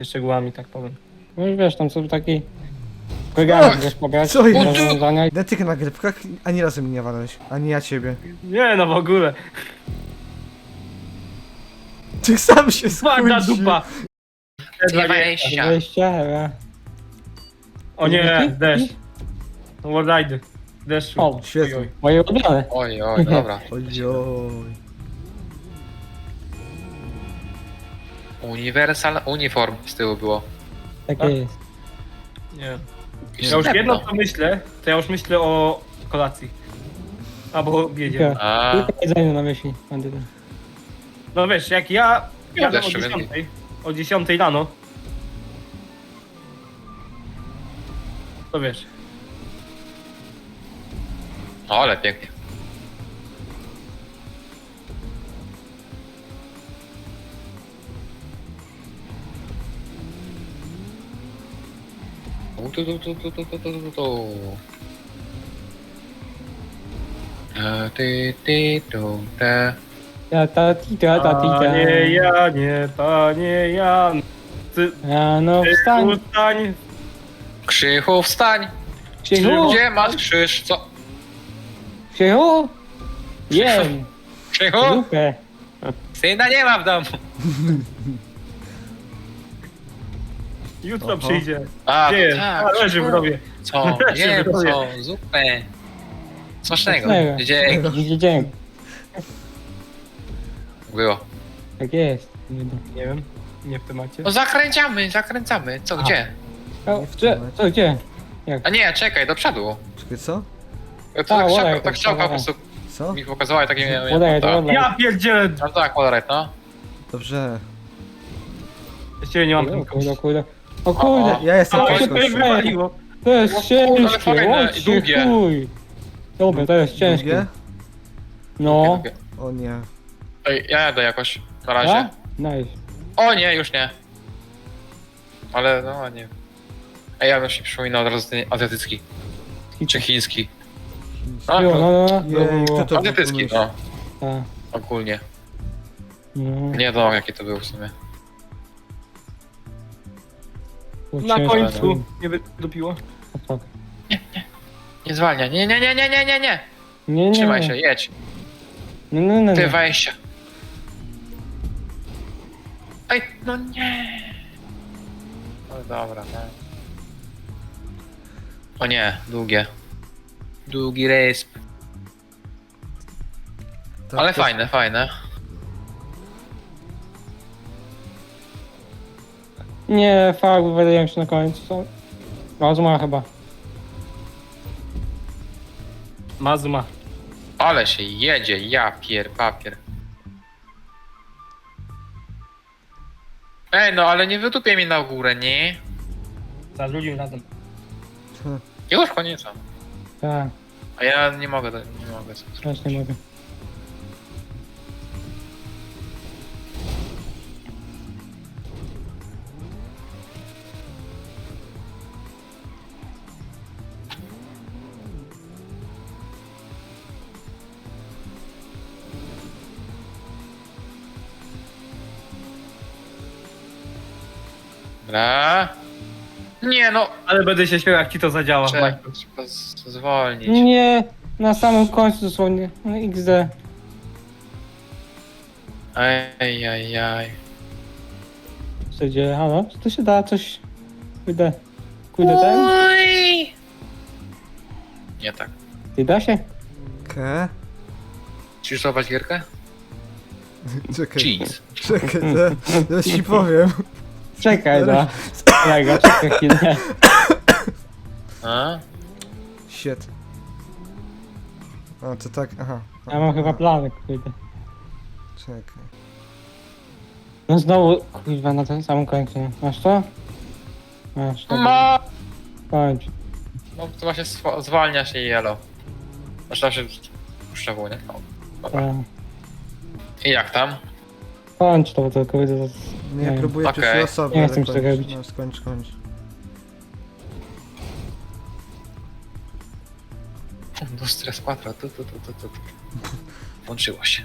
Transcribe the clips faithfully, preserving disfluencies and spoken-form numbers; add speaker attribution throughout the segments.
Speaker 1: szczegółami, tak powiem.
Speaker 2: No i wiesz, tam są taki program, wiesz, pobrać
Speaker 3: Co jest?
Speaker 2: rozwiązania i
Speaker 3: Na tych nagrywkach ani razu mnie nie walałeś, ani ja ciebie.
Speaker 1: Nie no w ogóle.
Speaker 3: Ty sam się
Speaker 1: Ładna
Speaker 3: skuńczy.
Speaker 1: dupa.
Speaker 4: Dwadzieścia.
Speaker 2: wejścia, ale...
Speaker 1: O nie, deszcz. Wallride. Deszczu.
Speaker 2: O,
Speaker 3: świetnie.
Speaker 1: Oj, oj.
Speaker 2: moje ulubione.
Speaker 4: Oj, oj, dobra.
Speaker 3: Ojoj.
Speaker 4: Uniwersal uniform z tyłu było.
Speaker 2: Takie
Speaker 1: A?
Speaker 2: jest.
Speaker 1: Nie. Ja
Speaker 4: Wstępno.
Speaker 1: już jedno co myślę, to ja już myślę o kolacji. Albo obiedzie.
Speaker 2: Tylko,
Speaker 4: A,
Speaker 2: tylko jedzenie na myśli. Będę tam.
Speaker 1: No wiesz, jak ja jadę o
Speaker 4: deszczu więcej.
Speaker 1: dziesiątej, o dziesiątej rano, to wiesz,
Speaker 4: no ale pięknie. Tu, tu, tu, tu, tu, tu, tu, tu, tu. A, ty, ty, tu, te.
Speaker 2: Ja ta ti ta ta ti ta.
Speaker 1: panie Janie, panie Jan, ty,
Speaker 2: Rano
Speaker 1: ty
Speaker 2: wstań.
Speaker 1: ustań,
Speaker 4: Krzychu, wstań!
Speaker 2: Krzychu,
Speaker 4: Gdzie masz krzyż? Co?
Speaker 2: Krzychu. Jem.
Speaker 4: Krzychu?
Speaker 2: Zupę.
Speaker 4: Syna nie ma w domu.
Speaker 1: jutro
Speaker 3: Oho.
Speaker 1: przyjdzie.
Speaker 4: A,
Speaker 1: Gdzie jest?
Speaker 4: tak.
Speaker 1: A, leży w rowie.
Speaker 4: Co?
Speaker 1: Leży
Speaker 4: Nie,
Speaker 1: w rowie.
Speaker 4: co? Zupę. Smacznego.
Speaker 2: Smacznego.
Speaker 4: Dzięki.
Speaker 2: Dzięki, dzięki.
Speaker 4: Było.
Speaker 2: Tak jest.
Speaker 1: Nie wiem, nie w temacie.
Speaker 4: No zakręcamy, zakręcamy. Co,
Speaker 1: A.
Speaker 4: gdzie?
Speaker 2: O, gdzie? Co, gdzie?
Speaker 4: A nie, czekaj, do przodu.
Speaker 3: Czekaj, co?
Speaker 4: Tak,
Speaker 2: Tak,
Speaker 4: tak,
Speaker 2: olej,
Speaker 4: tak, tak
Speaker 2: tak,
Speaker 4: strzałka po
Speaker 2: tak.
Speaker 4: prostu
Speaker 3: Co?
Speaker 4: mi pokazała i takie miałem.
Speaker 2: Olej,
Speaker 4: tak.
Speaker 2: olej.
Speaker 1: Ja pierdzielę,
Speaker 4: No tak, Polaret, no.
Speaker 3: Dobrze.
Speaker 1: z ciebie nie mam
Speaker 2: O
Speaker 1: tylko.
Speaker 2: kurde, o kurde. O kurde.
Speaker 3: Ja jestem
Speaker 1: Ale
Speaker 4: Oj,
Speaker 1: się
Speaker 3: ciężko.
Speaker 1: tutaj wywaliło.
Speaker 2: To jest
Speaker 4: O kurde,
Speaker 2: ciężkie,
Speaker 4: ale fajne,
Speaker 2: łocie,
Speaker 4: długie.
Speaker 2: chuj. Dobra, to jest ciężkie.
Speaker 3: Drugie?
Speaker 2: No.
Speaker 4: Drugie.
Speaker 3: O nie.
Speaker 4: Ej, ja jadę jakoś, na razie.
Speaker 2: A? Nice.
Speaker 4: O nie, już nie. Ale no nie. Ej, ja bym się przypominał od razu ten azjatycki. Czy chiński. A,
Speaker 2: Jo, no, no, no.
Speaker 3: Jej, kto to
Speaker 4: azjatycki, no.
Speaker 2: Tak.
Speaker 4: Ogólnie.
Speaker 2: No.
Speaker 4: Nie wiem jaki to był w sumie.
Speaker 2: Było
Speaker 1: Na
Speaker 2: ciężko.
Speaker 1: końcu nie wydupiło.
Speaker 2: O, fuck.
Speaker 4: Nie zwalnia. Nie, nie, nie, nie, nie, nie, nie.
Speaker 2: Nie, nie.
Speaker 4: Trzymaj
Speaker 2: nie.
Speaker 4: się, jedź.
Speaker 2: No, no, no.
Speaker 4: Ty
Speaker 2: no.
Speaker 4: wejścia. Ej, no nie. No dobra, no. O nie, długie. Długi rejs.
Speaker 3: Tak,
Speaker 4: Ale
Speaker 3: to-
Speaker 4: fajne, fajne.
Speaker 2: Nie, farby wydają się na końcu. Są... Rozuma chyba.
Speaker 1: Mazuma.
Speaker 4: Ale się jedzie, ja pier, papier. Ej, no ale nie wytupię mi na górę, nie?
Speaker 1: Za drugim razem.
Speaker 4: Już koniec.
Speaker 2: Tak,
Speaker 4: A ja nie mogę, nie mogę.
Speaker 2: też nie mogę.
Speaker 4: Dobra. Nie no,
Speaker 1: Ale będę się śmiał, jak ci to zadziała.
Speaker 4: trzeba,
Speaker 1: Michael.
Speaker 4: trzeba z- zwolnić.
Speaker 2: Nie, na samym końcu dosłownie. No iks de.
Speaker 4: Ej, ej, ej.
Speaker 2: Co się dzieje? Halo? Czy to się da coś... Kurde. Kurde ten?
Speaker 4: Oj! Nie tak.
Speaker 2: Ty da się?
Speaker 3: Ke?
Speaker 4: Chcesz złapać gierkę?
Speaker 3: Czekaj.
Speaker 4: Cheese.
Speaker 3: Czekaj, to, to ci powiem.
Speaker 2: Czekaj, da. Czekaj, czekaj chwilę.
Speaker 4: A?
Speaker 3: Shit. A, to tak, aha.
Speaker 2: Ja mam chyba plany, kurde.
Speaker 3: Czekaj.
Speaker 2: No znowu, kurwa, na tym samym końcu. Masz to? Masz to.
Speaker 4: Ma!
Speaker 2: Kończ.
Speaker 4: No to właśnie swa- zwalnia się jelo. Znaczy tam się puszcza w nie? No. Dobra.
Speaker 2: Tak.
Speaker 4: I jak tam?
Speaker 2: Kończ to, bo to kurde. to-
Speaker 3: Nie,
Speaker 2: Nie.
Speaker 3: próbuję
Speaker 4: Okej.
Speaker 3: pierwszej osoby.
Speaker 2: Nie
Speaker 3: ale
Speaker 2: chcę mi się
Speaker 3: kończ.
Speaker 2: tego robić.
Speaker 3: No, skończ, kończ.
Speaker 4: Do stres quattro, tu, tu, tu, tu, tu. tu. Włączyło się.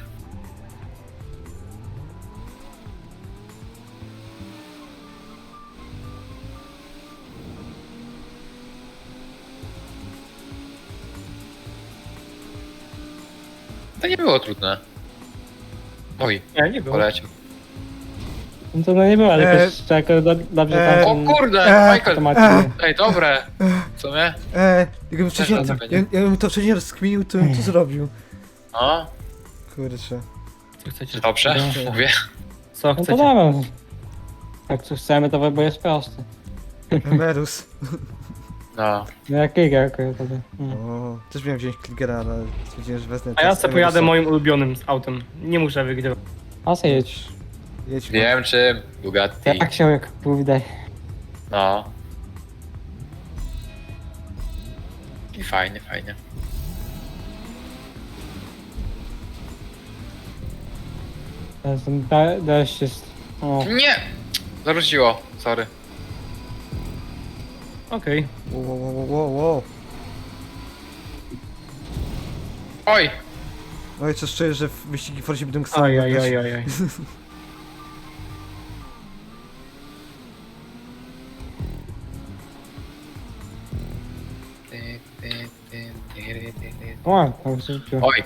Speaker 4: To nie było trudne. Oj,
Speaker 1: Nie, nie było.
Speaker 4: poleciał.
Speaker 2: No to no nie było, ale
Speaker 3: E,
Speaker 2: też tak do, dobrze
Speaker 3: e,
Speaker 2: tam...
Speaker 4: O kurde,
Speaker 3: Eee,
Speaker 4: Michael!
Speaker 2: automatycznie.
Speaker 4: Ej, dobre! Co nie?
Speaker 3: Eee, jakbym wcześniej,
Speaker 4: Też
Speaker 3: ja,
Speaker 4: będzie.
Speaker 3: ja bym to wcześniej rozkminił, to bym to zrobił.
Speaker 4: No,
Speaker 3: Kurczę.
Speaker 1: Co chcecie?
Speaker 4: dobrze,
Speaker 3: Dobrze.
Speaker 4: mówię.
Speaker 1: Co
Speaker 2: No to
Speaker 1: chcecie?
Speaker 2: dobra. Jak coś chcemy, to wybór jest prosty.
Speaker 3: Emerus.
Speaker 4: No.
Speaker 2: No jak Giga akurat wtedy. No.
Speaker 3: O, też miałem wziąć Kligera, ale stwierdziłem, że wezmę
Speaker 1: A ja
Speaker 3: teraz
Speaker 1: sobie pojadę
Speaker 3: Emerusa.
Speaker 1: moim ulubionym z autem. Nie muszę wygrywać.
Speaker 2: A se jedź.
Speaker 3: Jedź,
Speaker 4: Wiem czym, Bugatti.
Speaker 2: Jak się jak pójdę.
Speaker 4: No. I fajnie, fajnie.
Speaker 2: Teraz ten de- deszcz jest... O,
Speaker 4: Nie! Zarzuciło, sorry.
Speaker 1: Okej.
Speaker 3: Wow, wow, wow, wow, wow.
Speaker 4: Oj!
Speaker 3: Oj, co czuję, że w wyścigi Forzie będą sam
Speaker 1: Aj, aj,
Speaker 3: oglądać.
Speaker 1: aj, aj, aj.
Speaker 4: Ty, ty, ty, ty, ty, ty.
Speaker 2: o, to już rzuciło.
Speaker 4: Oj!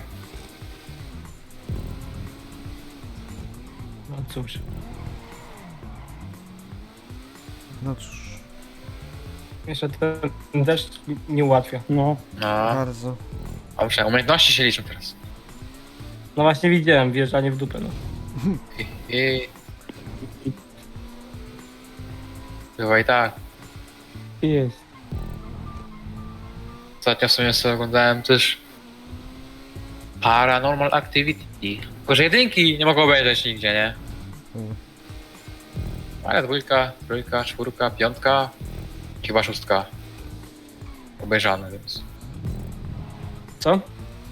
Speaker 1: No cóż.
Speaker 3: No cóż,
Speaker 1: Jeszcze ten deszcz nie ułatwia.
Speaker 2: No.
Speaker 4: No.
Speaker 3: bardzo.
Speaker 4: A muszę, umiejętności się liczą teraz.
Speaker 1: No właśnie widziałem wjeżdżanie w dupę, no.
Speaker 4: I, i... Bywa i tak.
Speaker 2: Jest.
Speaker 4: Ostatnio w sumie sobie oglądałem też Paranormal Activity. Tylko, że jedynki nie mogę obejrzeć nigdzie, nie?
Speaker 3: Mm.
Speaker 4: Ale dwójka, trójka, czwórka, piątka, chyba szóstka. Obejrzane, więc...
Speaker 1: Co?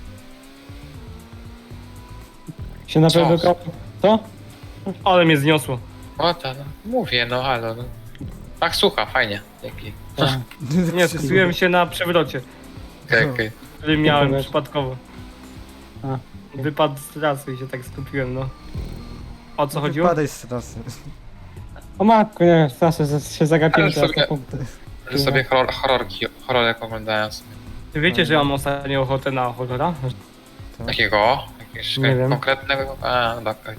Speaker 2: Się na
Speaker 4: Co?
Speaker 2: pewno kopał. Co?
Speaker 1: Ale mnie zniosło.
Speaker 4: O ta, no, mówię, no halo, no. Tak, słucha, fajnie. Dzięki.
Speaker 2: Tak.
Speaker 1: Nie, skupiłem się na przewrocie,
Speaker 4: Okej, okej.
Speaker 1: który miałem
Speaker 2: Dobra.
Speaker 1: przypadkowo.
Speaker 2: A.
Speaker 1: Wypadł z trasy i się tak skupiłem, no. O co chodziło?
Speaker 3: Padaj z trasy.
Speaker 2: O matko, nie, zawsze się zagapiłem
Speaker 4: Ale
Speaker 2: teraz
Speaker 4: sobie-
Speaker 2: na punkty.
Speaker 4: Że sobie horror, horrorki, horrorek oglądałem sobie.
Speaker 1: Czy wiecie, że ja mam ostatnio ochotę na horrora?
Speaker 4: Takiego? Jakiegoś
Speaker 1: Nie wiem.
Speaker 4: konkretnego? A, no okej.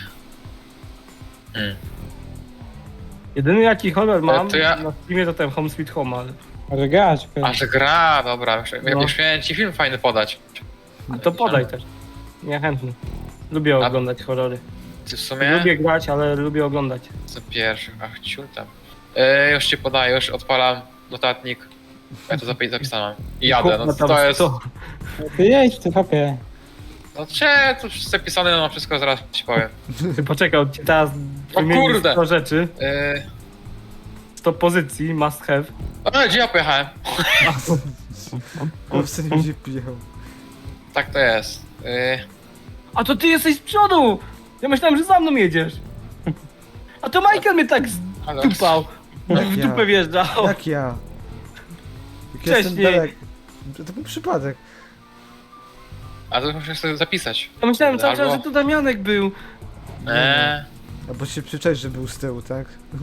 Speaker 4: Hmm.
Speaker 1: Jedyny jaki horror mam
Speaker 4: to ja-
Speaker 1: na streamie to ten Home Sweet Home, ale...
Speaker 2: Może grać,
Speaker 4: A, że gra, dobra, już,
Speaker 1: No.
Speaker 4: już miałem ci film fajny podać.
Speaker 1: A to podaj też. Nie chętny. Lubię
Speaker 4: A-
Speaker 1: oglądać horrory.
Speaker 4: Ty w sumie?
Speaker 1: Lubię grać, ale lubię oglądać.
Speaker 4: Co pierwszy, ach, ciul tam. E, już ci podaję, już odpalam notatnik. Ja to zapi- zapisałem. I jadę, no
Speaker 1: Kurwa, tam
Speaker 4: to jest...
Speaker 1: sto.
Speaker 2: Ty jedź, ty hopie.
Speaker 4: No cze, to już zapisane, no wszystko zaraz ci powiem.
Speaker 1: Ty poczekaj, on ci teraz
Speaker 4: O
Speaker 1: wymieni
Speaker 4: kurde!
Speaker 1: sto rzeczy,
Speaker 4: E,
Speaker 1: sto pozycji, must have.
Speaker 4: o, gdzie ja pojechałem?
Speaker 3: O, w sensie gdzie pijał.
Speaker 4: Tak to jest. E,
Speaker 1: A to ty jesteś z przodu! Ja myślałem, że za mną jedziesz. A to Michael mnie tak
Speaker 4: halo.
Speaker 1: zdupał.
Speaker 3: Jak
Speaker 1: W
Speaker 3: ja?
Speaker 1: dupę wjeżdżał.
Speaker 3: Jak ja? Jak ja jestem
Speaker 1: Wcześniej.
Speaker 3: dalek. To, to był przypadek.
Speaker 4: A to muszę sobie zapisać.
Speaker 1: Ja myślałem cały czas,
Speaker 4: Albo-
Speaker 1: że to Damianek był.
Speaker 4: Eee,
Speaker 3: A bo się przyczaisz, że był z tyłu, tak?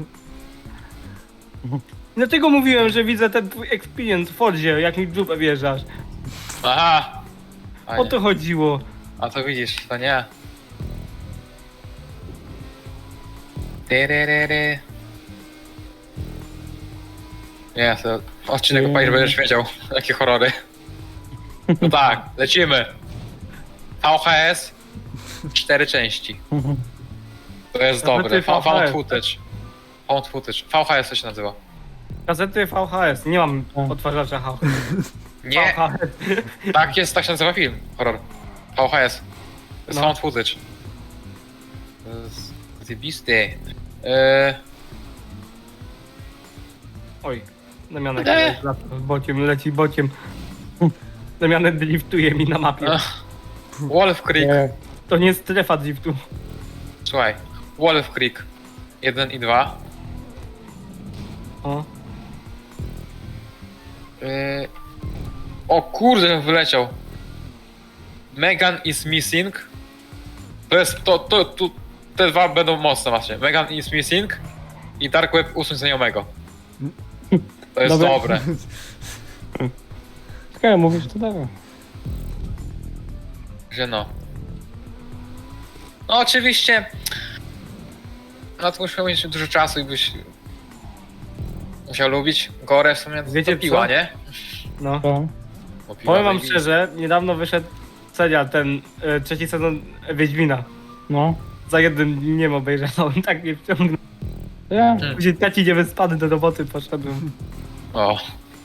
Speaker 1: Dlatego mówiłem, że widzę ten twój experience w Fordzie, jak mi w dupę wjeżdżasz.
Speaker 4: aha! A,
Speaker 1: O
Speaker 4: nie.
Speaker 1: to chodziło.
Speaker 4: A to widzisz, to nie. Tyryryry. Nie, to odcinek opalisz, będziesz wiedział, jakie horrory. No tak, lecimy. V H S, cztery części. To jest
Speaker 1: Nawet
Speaker 4: dobre.
Speaker 1: ty V H S.
Speaker 4: Found footage. Found footage. V H S to się nazywa.
Speaker 1: Kasety V H S, nie mam
Speaker 2: A.
Speaker 1: odtwarzacza H.
Speaker 4: Nie,
Speaker 1: V H S.
Speaker 4: tak jest, tak się nazywa film. Horror. V H S. To jest
Speaker 1: No.
Speaker 4: found footage. To jest zjebiste. Eee,
Speaker 1: Oj, Damianek
Speaker 4: Eee.
Speaker 1: leci bociem, leci bociem. Damianek driftuje mi na mapie.
Speaker 4: Ach. Wolf Creek.
Speaker 2: Nie,
Speaker 1: To nie jest strefa driftu.
Speaker 4: Słuchaj. Wolf Creek. jeden i dwa.
Speaker 1: O.
Speaker 4: Eee, o kurde, wyleciał. Megan is missing. To jest, to, to, to, te dwa będą mocne właśnie. Megan is missing i Dark Web usuń znajomego. To jest
Speaker 2: Dobra.
Speaker 4: dobre.
Speaker 2: skoro mówisz, to dobra.
Speaker 4: Że no. No oczywiście... No to musiał mieć dużo czasu i byś... Musiał lubić Gorę w sumie
Speaker 1: Wiecie
Speaker 4: do piła,
Speaker 1: co?
Speaker 4: nie?
Speaker 1: No.
Speaker 2: To.
Speaker 4: Bo piła
Speaker 1: Powiem wam
Speaker 4: zajebiste.
Speaker 1: szczerze, niedawno wyszedł serial, ten e, trzeci sezon Wiedźmina.
Speaker 2: No.
Speaker 1: Za jednym dniem obejrzałem, tak mnie wciągnął.
Speaker 2: Ja.
Speaker 1: Później taki niewyspany do roboty poszedłem.
Speaker 4: O,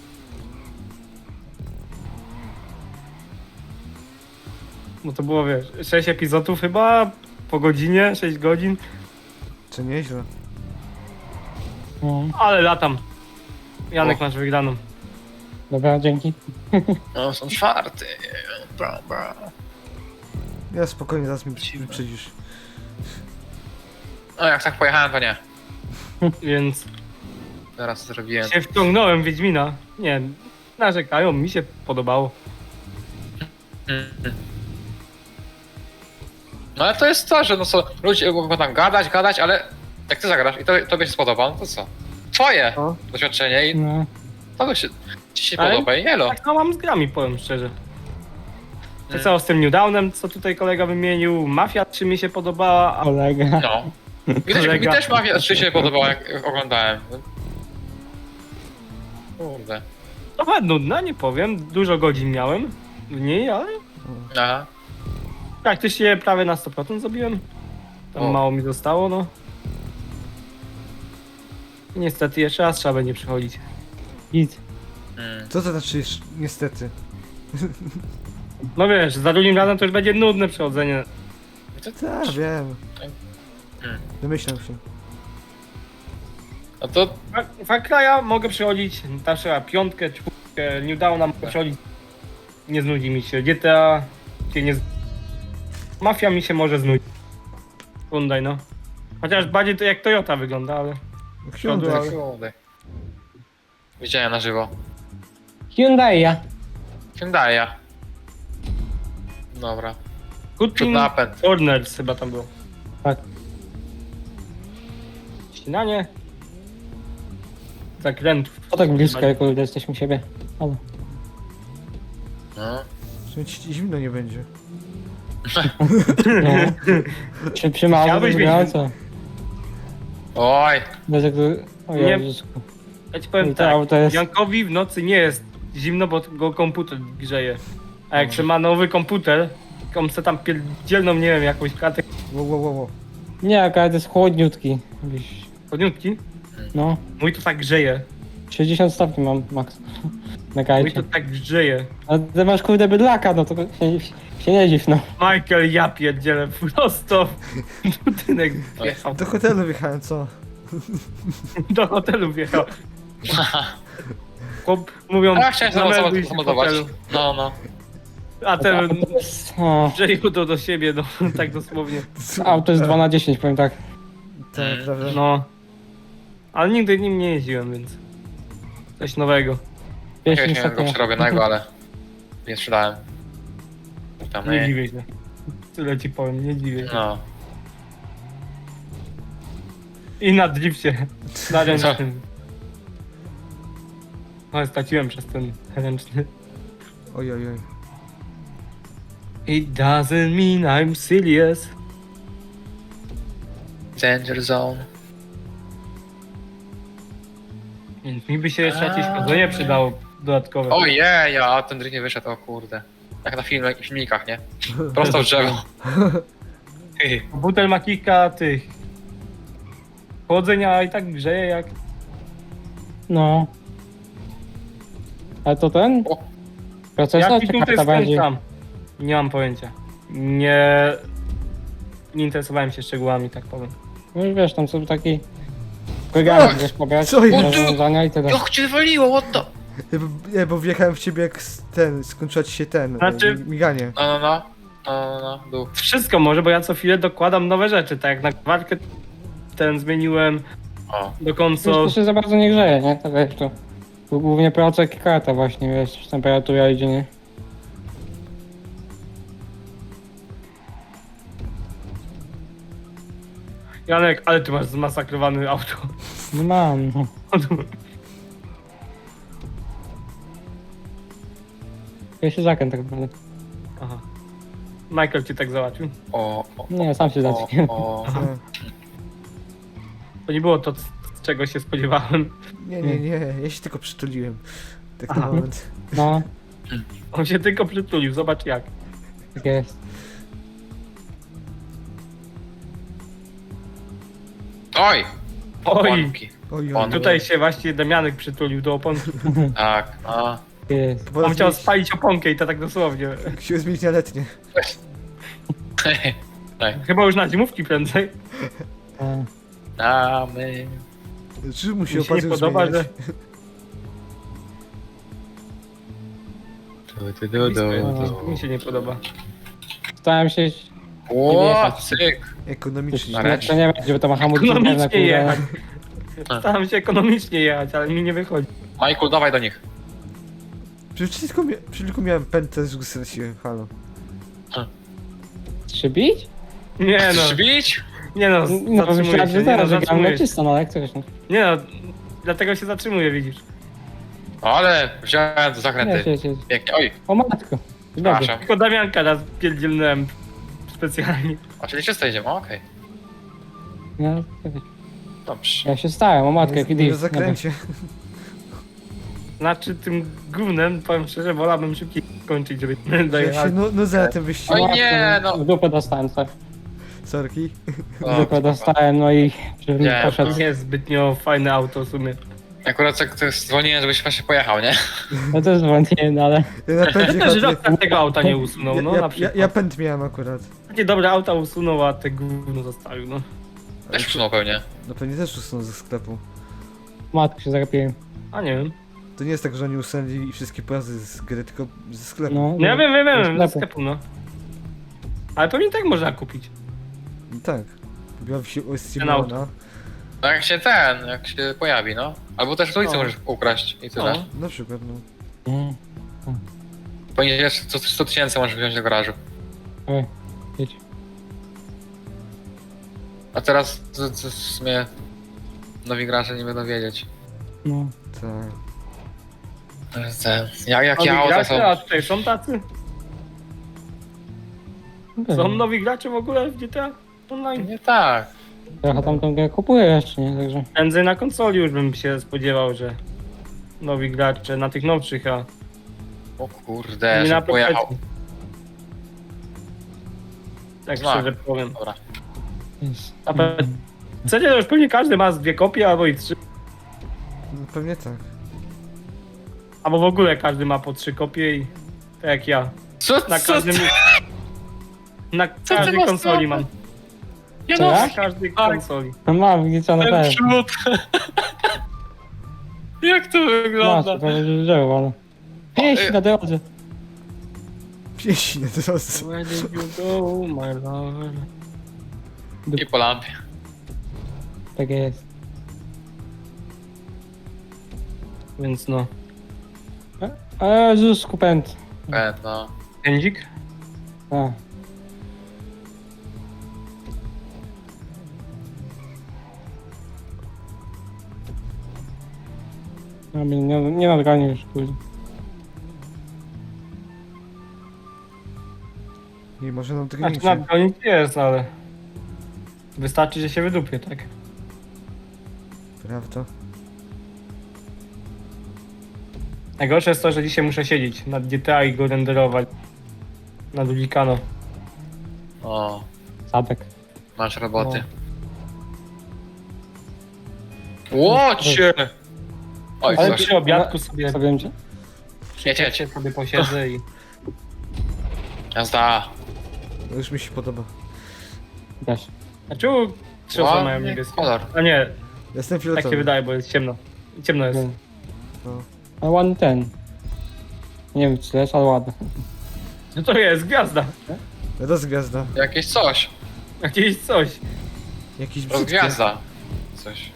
Speaker 1: No to było, wiesz, sześć epizodów chyba, po godzinie, sześć godzin,
Speaker 3: Czy nieźle?
Speaker 2: No.
Speaker 1: ale latam. Janek
Speaker 4: O.
Speaker 1: masz wygraną.
Speaker 2: Dobra, dzięki.
Speaker 4: no są czwarty. Bra, bra.
Speaker 3: Ja spokojnie, zaraz mi wyprzedzisz.
Speaker 4: No jak tak pojechałem, to nie.
Speaker 1: Więc
Speaker 4: Teraz zrobiłem.
Speaker 1: się wciągnąłem w Wiedźmina. Nie, narzekają, mi się podobało.
Speaker 4: No ale to jest to, że no co, ludzie mogą tam gadać, gadać, ale jak ty zagrasz i to, tobie się spodoba, no to co? Twoje
Speaker 1: No.
Speaker 4: doświadczenie i
Speaker 2: No.
Speaker 4: to się, ci się
Speaker 1: Ale-
Speaker 4: podoba i elo.
Speaker 1: Tak no mam z grami, powiem szczerze. Tak
Speaker 4: Mm.
Speaker 1: samo z tym New Downem, co tutaj kolega wymienił, Mafia trzy mi się podobała, a
Speaker 2: Kolega.
Speaker 4: No. Mi też, mi
Speaker 1: Kolega.
Speaker 4: też Mafia trzy się podobała, jak jak oglądałem. Kurde.
Speaker 1: trochę nudna, nie powiem, dużo godzin miałem w niej, ale
Speaker 4: Aha.
Speaker 1: praktycznie prawie na sto procent zrobiłem. Tam
Speaker 4: O.
Speaker 1: mało mi zostało, no. I niestety jeszcze raz trzeba będzie przychodzić.
Speaker 2: Git.
Speaker 4: Mm.
Speaker 3: Co to znaczy jeszcze- niestety?
Speaker 1: No wiesz, za drugim razem to już będzie nudne przechodzenie.
Speaker 3: Tak, wiem.
Speaker 4: Hmm.
Speaker 3: Domyślam się.
Speaker 4: No to
Speaker 1: Fa- Far Cry'a mogę przychodzić, tam trzeba piątkę, czwórkę, New Downa mogę przychodzić. Nie znudzi mi się. G T A się nie z... Mafia mi się może znudzić. Hyundai, no. Chociaż bardziej to jak Toyota wygląda, ale...
Speaker 3: Hyundai.
Speaker 1: Ale-
Speaker 4: kurde. Widziałem na żywo.
Speaker 2: Hyundai.
Speaker 4: Hyundai'a. Dobra.
Speaker 1: Good
Speaker 4: Przód
Speaker 1: Team
Speaker 4: napęd.
Speaker 1: Corners chyba tam było.
Speaker 2: Tak.
Speaker 1: Ścinanie. Zakrętów.
Speaker 2: O tak blisko, jak kurde jesteśmy siebie. Ale.
Speaker 4: No.
Speaker 3: W sumie ci zimno nie będzie.
Speaker 2: No. Czy przy małym
Speaker 1: Chciałbyś
Speaker 2: wyglądająco?
Speaker 4: Oj.
Speaker 2: Bez jak... O
Speaker 1: Nie.
Speaker 2: Jezus.
Speaker 1: Ja ci powiem
Speaker 2: I to
Speaker 1: tak,
Speaker 2: auto jest-
Speaker 1: Jankowi w nocy nie jest zimno, bo go komputer grzeje. A jak się ma nowy komputer, to on se tam pierdzielną, nie wiem, jakąś kartę
Speaker 3: Wow, wow, wow, wow.
Speaker 2: Nie, akurat jest chłodniutki. Jakiś-
Speaker 1: podniutki,
Speaker 2: No.
Speaker 1: mój to tak grzeje.
Speaker 2: sześćdziesiąt stopni mam max. Na
Speaker 1: Mój
Speaker 2: kajcie.
Speaker 1: to tak grzeje.
Speaker 2: A ty masz kurde bydlaka, no to się, się nie dziw, no.
Speaker 1: Michael, ja pierdzielę, prosto w budynek wjechał.
Speaker 3: Do hotelu wjechałem, co?
Speaker 1: Do hotelu wjechał. Chłop, mówią,
Speaker 4: A ja chciałem
Speaker 1: zamelduj się w
Speaker 4: zamontować.
Speaker 1: hotelu.
Speaker 4: No, no.
Speaker 1: A ten
Speaker 2: Auto jest, o,
Speaker 1: przejął to do siebie, no, tak dosłownie.
Speaker 2: auto jest dwa na dziesięć, powiem tak.
Speaker 3: Tak, prawda?
Speaker 1: No. Ale nigdy nim nie jeździłem, więc... Coś nowego.
Speaker 2: Wiesz,
Speaker 4: Jakiegoś miałem go
Speaker 2: niestety.
Speaker 4: przerobionego, ale nie sprzedałem. Tam
Speaker 1: Nie
Speaker 4: nie.
Speaker 1: dziwię się. Tyle ci powiem, nie dziwię się.
Speaker 4: No.
Speaker 1: I na drifcie. Na ręcznym. No, straciłem przez ten ręczny.
Speaker 3: Oj, oj, oj.
Speaker 1: It doesn't mean I'm serious.
Speaker 4: Danger zone.
Speaker 1: Więc mi by się jeszcze jakieś chodzenie przydało dodatkowe.
Speaker 4: Ojej, a ten drift nie wyszedł, o kurde. Jak na filmach, filmikach, nie? Prosto w drzewo.
Speaker 1: Komputer ma kilka tych... Chłodzenia i tak grzeje jak...
Speaker 2: No. Ale to ten?
Speaker 4: O.
Speaker 2: Procesor
Speaker 1: Jaki
Speaker 2: czy
Speaker 1: tutaj
Speaker 2: karta bardziej?
Speaker 1: skręcam? Nie mam pojęcia. Nie... Nie interesowałem się szczegółami, tak powiem.
Speaker 2: No i wiesz, tam są taki... Program, wiesz, pobrać
Speaker 3: Co jest?
Speaker 2: rozwiązania i tyle.
Speaker 4: Jak cię wywaliło, what the...
Speaker 3: Nie, bo- Nie, bo wjechałem w ciebie jak s- ten, skończyła ci się ten,
Speaker 1: Znaczy-
Speaker 3: e, miganie.
Speaker 4: No, no, no. No, no, no, dół.
Speaker 1: Wszystko może, bo ja co chwilę dokładam nowe rzeczy, tak jak na gwarkę ten zmieniłem
Speaker 4: O.
Speaker 1: do
Speaker 2: Wiesz,
Speaker 1: konsol.
Speaker 2: to się za bardzo nie grzeje, nie? To wiesz, to... tu głównie procek i karta właśnie, wiesz, temperatura idzie, nie?
Speaker 1: Janek, ale ty masz zmasakrowane auto.
Speaker 2: No mam, no. Ja się zakręt tak naprawdę.
Speaker 1: Aha. Michael cię tak załatwił.
Speaker 4: O, o,
Speaker 2: Nie, sam się
Speaker 4: o,
Speaker 2: zacznię.
Speaker 4: o.
Speaker 3: Tak.
Speaker 1: To nie było to, c- czego się spodziewałem.
Speaker 3: Nie, nie, nie, ja się tylko przytuliłem. Tak
Speaker 1: Aha.
Speaker 3: na moment.
Speaker 2: No,
Speaker 1: On się tylko przytulił, zobacz jak.
Speaker 2: tak jest.
Speaker 4: Oj!
Speaker 1: Oj,
Speaker 4: Oponki.
Speaker 3: Oj,
Speaker 4: On-
Speaker 3: oj,
Speaker 1: tutaj się właśnie Damianek przytulił do oponki.
Speaker 4: Tak, a.
Speaker 2: Tak jest.
Speaker 3: To
Speaker 1: On chciał
Speaker 3: zmienić-
Speaker 1: spalić oponkę i to tak dosłownie.
Speaker 3: Chciałem zmienić na letnie.
Speaker 4: Tak.
Speaker 1: Chyba już na zimówki prędzej.
Speaker 2: E,
Speaker 4: Damy.
Speaker 3: Czy mu się
Speaker 1: Mi się nie
Speaker 3: opłacił
Speaker 1: podoba,
Speaker 3: zmieniać?
Speaker 4: Du, du, du, du, du.
Speaker 1: Mi się nie podoba.
Speaker 2: Starałem się...
Speaker 4: O, cyk.
Speaker 3: Ekonomicznie.
Speaker 4: Ale-
Speaker 2: To nie wiem, żeby to ma hamulce na
Speaker 1: Ekonomicznie
Speaker 2: kurde.
Speaker 1: jechać. Staram się ekonomicznie jechać, ale mi nie wychodzi.
Speaker 4: Michael, dawaj do nich.
Speaker 3: Przecież tylko, mia przecież tylko miałem pętę, że go straciłem, halo.
Speaker 2: Czy bić?
Speaker 1: Nie no,
Speaker 4: Chcesz bić?
Speaker 1: nie no,
Speaker 2: No, bo
Speaker 1: zatrzymuję
Speaker 2: myślałem,
Speaker 1: się,
Speaker 2: że
Speaker 1: nie
Speaker 2: zaraz,
Speaker 1: no,
Speaker 2: że gram na
Speaker 1: zatrzymuję się.
Speaker 2: czysto, no jak coś. No.
Speaker 1: Nie no, dlatego się zatrzymuję, widzisz.
Speaker 4: Ale wziąłem do
Speaker 2: Nie,
Speaker 4: zakręty.
Speaker 2: się, się.
Speaker 4: Pięknie. Oj,
Speaker 2: O matko. Dobry.
Speaker 4: przepraszam.
Speaker 1: Tylko Damianka raz pierdzielnąłem specjalnie.
Speaker 4: A czyli czysto idziemy, okej.
Speaker 2: No,
Speaker 4: Dobrze.
Speaker 2: ja się stałem, o matko, jaki
Speaker 3: Nie na
Speaker 2: div.
Speaker 3: zakręcie.
Speaker 1: Znaczy tym gównem, powiem szczerze, wolałbym szybciej kończyć, żeby
Speaker 3: Ja się
Speaker 1: dojechać.
Speaker 3: nu nudzę na tym wyścigu.
Speaker 4: Oj, nie, no.
Speaker 2: W dupę dostałem, tak.
Speaker 3: Sorki.
Speaker 2: W
Speaker 4: O,
Speaker 2: dupę dostałem, no i... Żebym
Speaker 4: Nie,
Speaker 2: poszedł.
Speaker 1: Nie jest zbytnio fajne auto w sumie.
Speaker 4: Akurat tak to zwolniłem, żebyś właśnie pojechał, nie?
Speaker 2: No też dzwoniłem, no ale...
Speaker 3: Ja na pędzie
Speaker 1: Też
Speaker 3: chodzę.
Speaker 1: żadna tego auta nie usunął,
Speaker 3: Ja,
Speaker 1: no
Speaker 3: ja,
Speaker 1: na
Speaker 3: ja,
Speaker 1: przykład.
Speaker 3: ja pęd miałem akurat.
Speaker 1: Takie dobre auta usunął, a te gówno zostawił, no.
Speaker 4: Też psunął pewnie.
Speaker 3: No pewnie też usunął ze sklepu.
Speaker 2: Matko się zagapiłem.
Speaker 1: A nie wiem.
Speaker 3: To nie jest tak, że oni usunęli wszystkie pojazdy z gry, tylko ze sklepu.
Speaker 2: No,
Speaker 1: No ja wiem, wiem, wiem,
Speaker 2: ze
Speaker 1: ze
Speaker 2: sklepu.
Speaker 1: sklepu, no. Ale pewnie tak można kupić.
Speaker 3: No tak. Była się
Speaker 1: Ten
Speaker 3: Steamona.
Speaker 4: No jak się ten, jak się pojawi, no. Albo też w ulicy
Speaker 1: No.
Speaker 4: możesz ukraść i tyle.
Speaker 1: No.
Speaker 3: Na przykład, no.
Speaker 2: Mm.
Speaker 4: Ponieważ co sto tysięcy możesz wziąć do garażu.
Speaker 2: Oj, jedź.
Speaker 4: A teraz to, to w sumie nowi gracze nie będą wiedzieć.
Speaker 2: No.
Speaker 3: Tak.
Speaker 4: Te, jak jakie
Speaker 1: Nowi
Speaker 4: auta są.
Speaker 1: gracze, a tutaj są tacy? Są nowi gracze w ogóle w G T A Online?
Speaker 4: Nie tak.
Speaker 2: Ja tam tą grę kupuję jeszcze, nie? Także...
Speaker 1: Prędzej na konsoli już bym się spodziewał, że nowi gracze na tych nowszych, a
Speaker 4: O kurde,
Speaker 1: nie na
Speaker 4: że pojechał.
Speaker 1: PC. Tak
Speaker 4: Znak.
Speaker 1: szczerze powiem.
Speaker 4: Dobra.
Speaker 2: Jest.
Speaker 1: A P C to już pewnie każdy ma z dwie kopie albo i trzy.
Speaker 3: No, pewnie tak.
Speaker 1: Albo w ogóle każdy ma po trzy kopie i tak jak ja.
Speaker 4: Co,
Speaker 1: Na
Speaker 4: co,
Speaker 1: każdym. Na
Speaker 4: ty
Speaker 1: każdej
Speaker 4: masz
Speaker 1: konsoli
Speaker 4: za-
Speaker 1: mam.
Speaker 4: Nie
Speaker 2: Co
Speaker 4: no,
Speaker 2: ja?
Speaker 1: Na każdej
Speaker 4: Tak.
Speaker 1: konsoli.
Speaker 2: No mam, widzicie, na
Speaker 4: ten
Speaker 2: pewno.
Speaker 4: przód. Jak to
Speaker 2: Masz,
Speaker 4: wygląda?
Speaker 2: to będzie drzewo, ale... Pieśń na drodze.
Speaker 3: Pieśń na drodze.
Speaker 1: Where did you go, my lover?
Speaker 4: I po lampie.
Speaker 2: Tak jest.
Speaker 1: Więc no.
Speaker 2: A Jezus, kupent.
Speaker 4: E, no.
Speaker 1: Pędzik?
Speaker 2: A. No, mnie nie, nie nadgonię już, kurde.
Speaker 3: Nie może nam tego
Speaker 1: Znaczy
Speaker 3: nie
Speaker 1: nadgonić jest, ale... Wystarczy, że się wydupie, tak?
Speaker 3: Prawda?
Speaker 1: Najgorsze jest to, że dzisiaj muszę siedzieć nad G T A i go renderować. Na Dubikano.
Speaker 4: O,
Speaker 2: Sadek.
Speaker 4: masz roboty. Łocie! Oj,
Speaker 1: Ale
Speaker 4: coś.
Speaker 1: przy obiadku sobie,
Speaker 2: Co wiem cię?
Speaker 4: Jedź, jedź.
Speaker 1: sobie posiedzę i...
Speaker 4: Jazda.
Speaker 3: No już mi się podoba.
Speaker 2: Też.
Speaker 1: A czemu krzyża mają
Speaker 4: Ładny
Speaker 1: niebieskie?
Speaker 4: kolor.
Speaker 1: A nie,
Speaker 3: Jestem
Speaker 1: tak
Speaker 3: fioletowy.
Speaker 1: się wydaje, bo jest ciemno. Ciemno jest.
Speaker 2: Wiem.
Speaker 3: No.
Speaker 2: Ale ładny ten. Nie wiem czy to jest, ale ładny.
Speaker 1: No to jest gwiazda.
Speaker 3: Rozgwiazda.
Speaker 4: Jakieś coś.
Speaker 1: Jakieś coś.
Speaker 3: Jakiś brzydki.
Speaker 4: Rozgwiazda. Coś.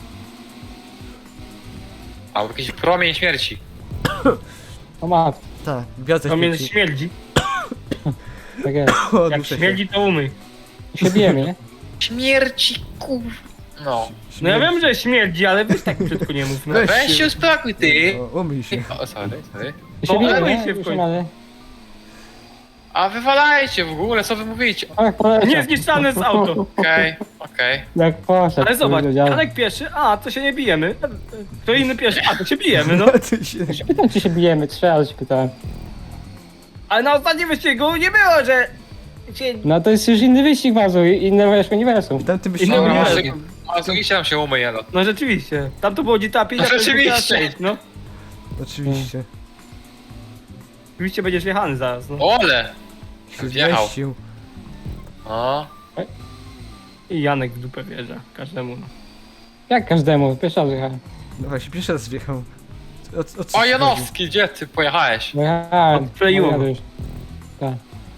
Speaker 4: Albo jakiś promień śmierci.
Speaker 2: O mat,
Speaker 3: Tak, gwiazda
Speaker 1: To mnie
Speaker 3: śmierci.
Speaker 1: śmierdzi.
Speaker 2: tak jest.
Speaker 3: O,
Speaker 1: Jak
Speaker 3: duszę się.
Speaker 1: śmierdzi, to umyj.
Speaker 2: Się bijemy, nie?
Speaker 4: Śmierci, kur... No.
Speaker 1: No ja
Speaker 3: Śmierci.
Speaker 1: wiem, że śmierdzi, ale weź tak brzydko nie mów. No.
Speaker 3: Weź
Speaker 4: Weź się uspokój, ty!
Speaker 3: O, umyj się.
Speaker 4: O, sorry, sorry.
Speaker 2: Się
Speaker 1: No,
Speaker 2: bijemy,
Speaker 1: ale
Speaker 2: nie?
Speaker 1: się w
Speaker 2: Już
Speaker 1: końcu.
Speaker 2: mamy.
Speaker 4: A wywalajcie w ogóle, co wy mówicie?
Speaker 2: Tak, poleciał.
Speaker 1: Niezniszczalne jest auto.
Speaker 4: Okej, okej.
Speaker 2: Jak poszedł.
Speaker 1: Ale zobacz,
Speaker 2: kurde, dział.
Speaker 1: Janek pierwszy, a to się nie bijemy. Kto inny pierwszy, a to się bijemy, no.
Speaker 3: Ty się...
Speaker 2: Ja się pytam, czy się bijemy, trzy razy się pytałem.
Speaker 1: Ale na ostatnim wyścigu nie było, że się...
Speaker 2: No to jest już inny wyścig, Mazu, inne wiesz, uniwersum.
Speaker 3: Tam ty byś...
Speaker 1: Inny
Speaker 4: Dobra,
Speaker 1: uniwersum.
Speaker 4: może, a zobaczcie tam się umyje, no.
Speaker 1: No rzeczywiście, tam to było G T A pięć, a
Speaker 4: No
Speaker 1: to jest G T A
Speaker 4: rzeczywiście.
Speaker 1: sześć, no.
Speaker 3: Oczywiście.
Speaker 1: Oczywiście będziesz jechany zaraz, no.
Speaker 4: Ole!
Speaker 3: Się
Speaker 4: Wjechał.
Speaker 3: zmieścił.
Speaker 4: O,
Speaker 1: I Janek w dupę wjeżdża, każdemu, no.
Speaker 2: Jak każdemu, pierwszy raz jechałem.
Speaker 3: No właśnie, pierwszy raz wjechał. O, o co
Speaker 4: o
Speaker 3: ci chodzi?
Speaker 4: Janowski, gdzie ty pojechałeś?
Speaker 2: Bo jechałem.
Speaker 1: Odkleiło
Speaker 2: no,
Speaker 1: go.
Speaker 2: jadę już. Tak.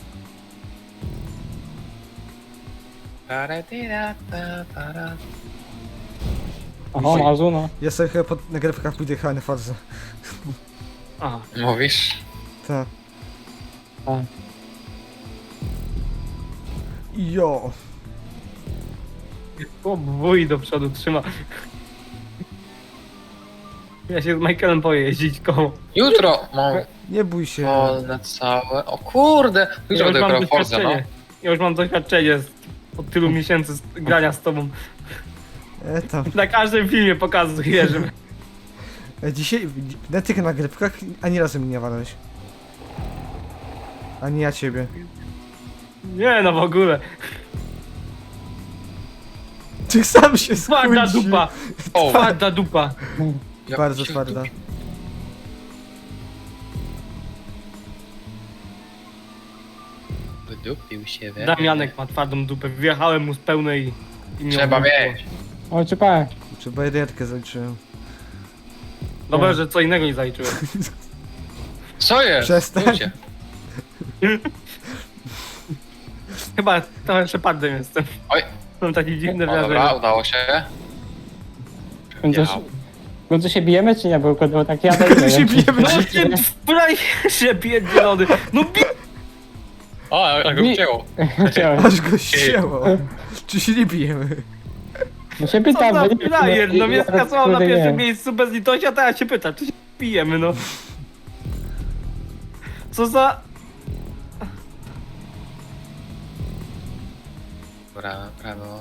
Speaker 2: Oho, Mazu, no.
Speaker 3: Ja sobie chyba po nagrywkach pójdę jechałem na fazę.
Speaker 1: Aha.
Speaker 4: Mówisz?
Speaker 3: Tak.
Speaker 2: Tak.
Speaker 3: Jo.
Speaker 1: O, wuj do przodu trzyma. Ja się z Michaelem boję jeździć koło.
Speaker 4: Jutro mam
Speaker 3: Nie bój się.
Speaker 4: wolne całe. O kurde!
Speaker 1: Ja
Speaker 4: Jutro
Speaker 1: już mam
Speaker 4: dopiero Forza, no.
Speaker 1: doświadczenie. Ja już mam doświadczenie z, od tylu miesięcy z, grania z tobą.
Speaker 3: E, tam.
Speaker 1: Na każdym filmie pokazuję, że...
Speaker 3: E, dzisiaj na tych nagrywkach ani razu mnie nie walałeś. Ani ja ciebie.
Speaker 1: Nie no w ogóle.
Speaker 3: Ty sam się
Speaker 1: Twarda
Speaker 3: skuńczył.
Speaker 1: dupa.
Speaker 4: O,
Speaker 1: Twarda dupa.
Speaker 4: ja
Speaker 3: Bardzo
Speaker 4: się
Speaker 3: twarda.
Speaker 4: wdupi- Wydupił się, we
Speaker 1: Damianek ma twardą dupę. Wjechałem mu z pełnej... i nie
Speaker 4: Trzeba
Speaker 1: odwróciło.
Speaker 4: mieć.
Speaker 2: O, czypałem.
Speaker 3: Czy bajerkę zaliczyłem.
Speaker 1: Dobra, że co innego nie zaliczyłem.
Speaker 4: Co jest?
Speaker 3: Przestań.
Speaker 4: Ludzie.
Speaker 1: Chyba trochę szepardem jestem.
Speaker 4: Oj.
Speaker 1: Mam takie dziwne
Speaker 4: O, dobra,
Speaker 1: wrażenie.
Speaker 4: udało się.
Speaker 2: W końcu,
Speaker 4: Jechał.
Speaker 2: w końcu się bijemy, czy nie? Bo było tak jadę
Speaker 3: W końcu się bijemy,
Speaker 1: No
Speaker 3: czy
Speaker 1: ty frajerze pierdzielony. No bi...
Speaker 4: O, jak go
Speaker 2: Mi-
Speaker 4: wcięło.
Speaker 2: Chciałem.
Speaker 3: Aż go ścięło. Czy się nie bijemy?
Speaker 2: No się
Speaker 1: Co
Speaker 2: pytam,
Speaker 1: za
Speaker 2: bo nie
Speaker 1: frajer, no mnie
Speaker 2: ja
Speaker 1: skasował na
Speaker 2: kurde, nie.
Speaker 1: pierwszym miejscu bez litości, a teraz się pyta, czy się pijemy, no. Co za...
Speaker 4: Brawo, brawo.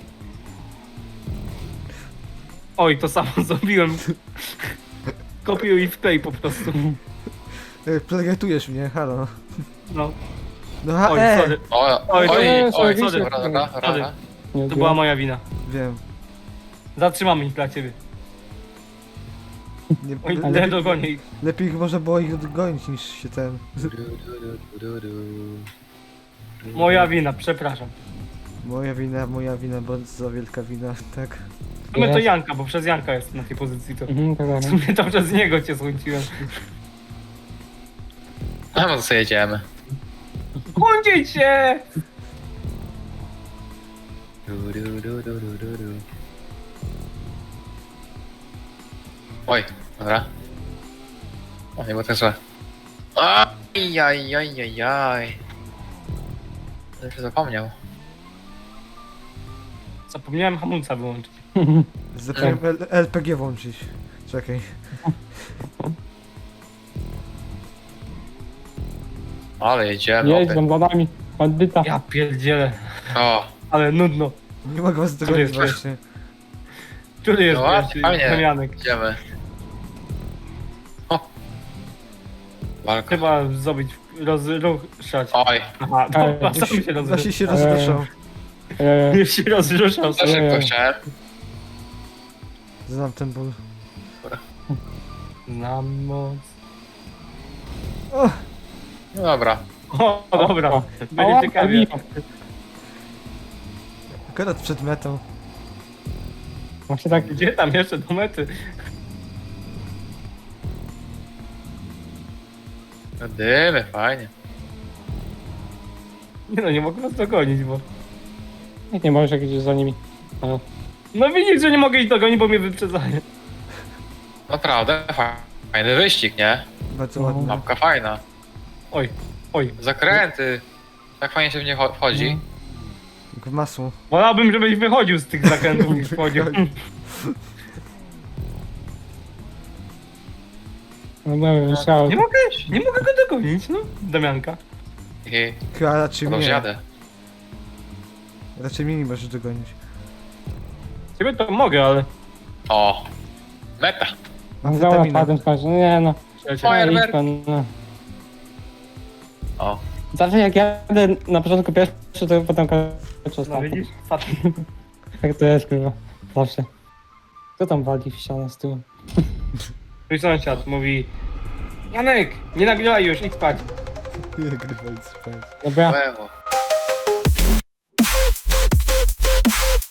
Speaker 1: Oj, to samo zrobiłem. Kopiuj i wklej po prostu.
Speaker 3: E, Plagiatujesz mnie, halo.
Speaker 1: No.
Speaker 3: No ha,
Speaker 1: Oj,
Speaker 3: e,
Speaker 1: sorry.
Speaker 4: O,
Speaker 1: Oj,
Speaker 4: oj,
Speaker 1: to
Speaker 4: oj,
Speaker 1: nie,
Speaker 4: oj,
Speaker 1: sorry,
Speaker 4: dobra,
Speaker 1: sorry.
Speaker 4: dobra, dobra,
Speaker 1: Sorry.
Speaker 4: dobra.
Speaker 2: Nie
Speaker 1: To była moja wina.
Speaker 3: wiem.
Speaker 1: Zatrzymamy ich dla ciebie.
Speaker 3: Nie,
Speaker 1: Oj,
Speaker 3: le,
Speaker 1: nie
Speaker 3: lepiej,
Speaker 1: dogonię ich.
Speaker 3: lepiej można było ich odgonić niż się ten...
Speaker 4: Du, du, du, du, du.
Speaker 1: Moja wina, przepraszam.
Speaker 3: Moja wina, moja wina, bardzo wielka wina, tak.
Speaker 1: W sumie to
Speaker 2: Jest.
Speaker 1: Janka, bo przez Janka jest na tej pozycji to.
Speaker 2: Mhm, tak,
Speaker 1: W
Speaker 2: tak.
Speaker 1: sumie to przez niego cię złączyłem.
Speaker 4: A no to sobie jedziemy.
Speaker 1: Kłądzić się!
Speaker 4: Du, du, du, du, du, du, du. Oj, dobra. O, nie było tak źle. Aj, aj, aj, aj, aj. To się zapomniał.
Speaker 1: Zapomniałem hamulca wyłączyć.
Speaker 3: Zapomniałem L- LPG włączyć. Czekaj.
Speaker 4: Ale jedziemy.
Speaker 2: Jedź
Speaker 4: opie.
Speaker 2: za nami, bandyta.
Speaker 1: Ja pierdzielę,
Speaker 4: O,
Speaker 1: ale nudno.
Speaker 3: Nie mogę was dogonić
Speaker 1: jest
Speaker 3: właśnie.
Speaker 1: Który jest
Speaker 4: No ładnie,
Speaker 1: pierwszy?
Speaker 4: fajnie.
Speaker 1: Damianek.
Speaker 4: jedziemy. O. Walka.
Speaker 1: Chyba zrobić, rozruszać.
Speaker 4: Oj,
Speaker 1: Aha, dobra,
Speaker 2: Ej,
Speaker 1: sam się
Speaker 3: Właśnie
Speaker 1: rozruszał.
Speaker 3: się rozruszał.
Speaker 2: E,
Speaker 1: Już się rozruszał.
Speaker 4: za szybko chciałem.
Speaker 3: Znam ten ból.
Speaker 1: Znam moc.
Speaker 3: O,
Speaker 4: No dobra.
Speaker 1: O, dobra.
Speaker 2: o.
Speaker 1: Będzie
Speaker 2: O,
Speaker 1: ciekawie.
Speaker 3: akurat przed metą.
Speaker 2: Właśnie tak,
Speaker 1: Gdzie tam jeszcze do mety?
Speaker 4: Dymy, fajnie.
Speaker 1: Nie no, nie mogę was dogonić, bo...
Speaker 2: jak nie możesz gdzieś za nimi. Ale
Speaker 1: No widzisz, że nie mogę ich dogonić, bo mnie wyprzedzają.
Speaker 4: Naprawdę, fajny wyścig, nie?
Speaker 3: Bardzo
Speaker 2: No.
Speaker 3: ładnie.
Speaker 4: Mapka fajna.
Speaker 1: Oj, oj.
Speaker 4: Zakręty. Tak fajnie się w nie cho- wchodzi.
Speaker 3: Jak w masło.
Speaker 1: Wolałbym, żebyś wychodził z tych zakrętów niż wchodził.
Speaker 2: no nie wiem, trzeba.
Speaker 1: Nie mogę, nie mogę go dogonić, no. Damianka.
Speaker 4: Hehe.
Speaker 3: Chyba raczej
Speaker 4: No
Speaker 3: mnie.
Speaker 4: jadę.
Speaker 3: Raczej mnie nie możesz dogonić.
Speaker 1: Ciebie to mogę, ale...
Speaker 4: O. Meta.
Speaker 3: Mam
Speaker 2: Dobra,
Speaker 3: witaminę.
Speaker 2: padłem w końcu. Nie no.
Speaker 1: Słuchajcie,
Speaker 4: Fire-
Speaker 2: No, idź
Speaker 4: Fajerwerk.
Speaker 2: pan, no.
Speaker 4: O.
Speaker 2: Zawsze jak jadę na początku pierwszy, to potem kończę
Speaker 1: No
Speaker 2: ostatni.
Speaker 1: widzisz? Patrz.
Speaker 2: Tak to jest, kurwa. Zawsze. Kto tam wali w ścianę z tyłu?
Speaker 1: Mój sąsiad mówi... Janek, nie nagrywaj już, idź spać.
Speaker 3: Nie grywaj spać.
Speaker 2: Dobra.
Speaker 4: Łewo.